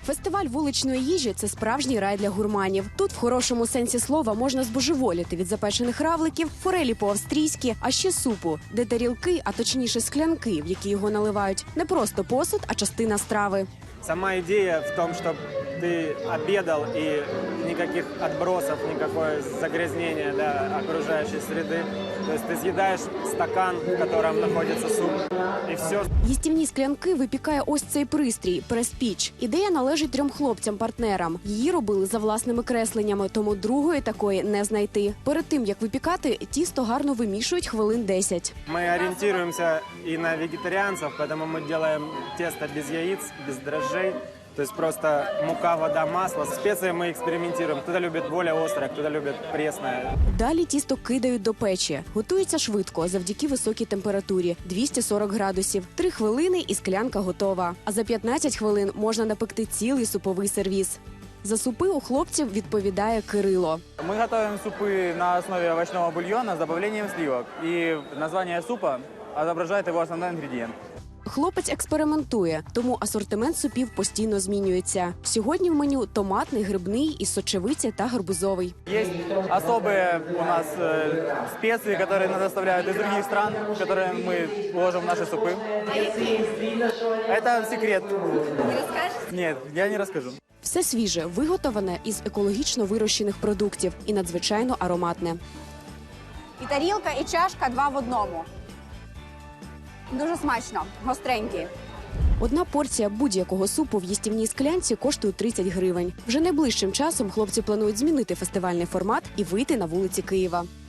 Фестиваль вуличної їжі – це справжній рай для гурманів. Тут в хорошому сенсі слова можна збожеволіти від запечених равликів, форелі по-австрійськи, а ще супу, де тарілки, а точніше склянки, в які його наливають, не просто посуд, а частина страви. Сама идея в том, чтобы ты обедал и никаких отбросов, никакое загрязнение окружающей среды. То есть ты съедаешь стакан, в котором находится суп, и все. Їстівні склянки випікає ось цей пристрій – прес-піч. Ідея належить 3 хлопцям-партнерам. Її робили за власними кресленнями, тому другої такої не знайти. Перед тим, як випікати, тісто гарно вимішують хвилин 10. Мы ориентируемся и на вегетарианцев, поэтому мы делаем тесто без яиц, без дрожжей. То есть просто мука, вода, масло. С специей мы экспериментируем. Кто-то любит более острое, кто-то любит пресное. Далі тісто кидають до печі. Готується швидко, завдяки високій температурі – 240 градусів. 3 хвилини і склянка готова. А за 15 хвилин можна напекти цілий суповий сервіз. За супи у хлопців відповідає Кирило. Мы готовим супы на основе овощного бульона с добавлением сливок. И название супа отображает его основной ингредиент. Хлопець експериментує, тому асортимент супів постійно змінюється. Сьогодні в меню томатний, грибний, із сочевиці та гарбузовий. Есть особые у нас специи, которые нас доставляют из других стран, которые мы вложим в наши супы. Это секрет. Не расскажешь? Нет, я не расскажу. Все свіже, виготовлене із екологічно вирощених продуктів і надзвичайно ароматне. І тарілка, і чашка 2 в одному. Дуже смачно, гостренький. Одна порція будь-якого супу в їстівній склянці коштує 30 гривень. Вже найближчим часом хлопці планують змінити фестивальний формат і вийти на вулиці Києва.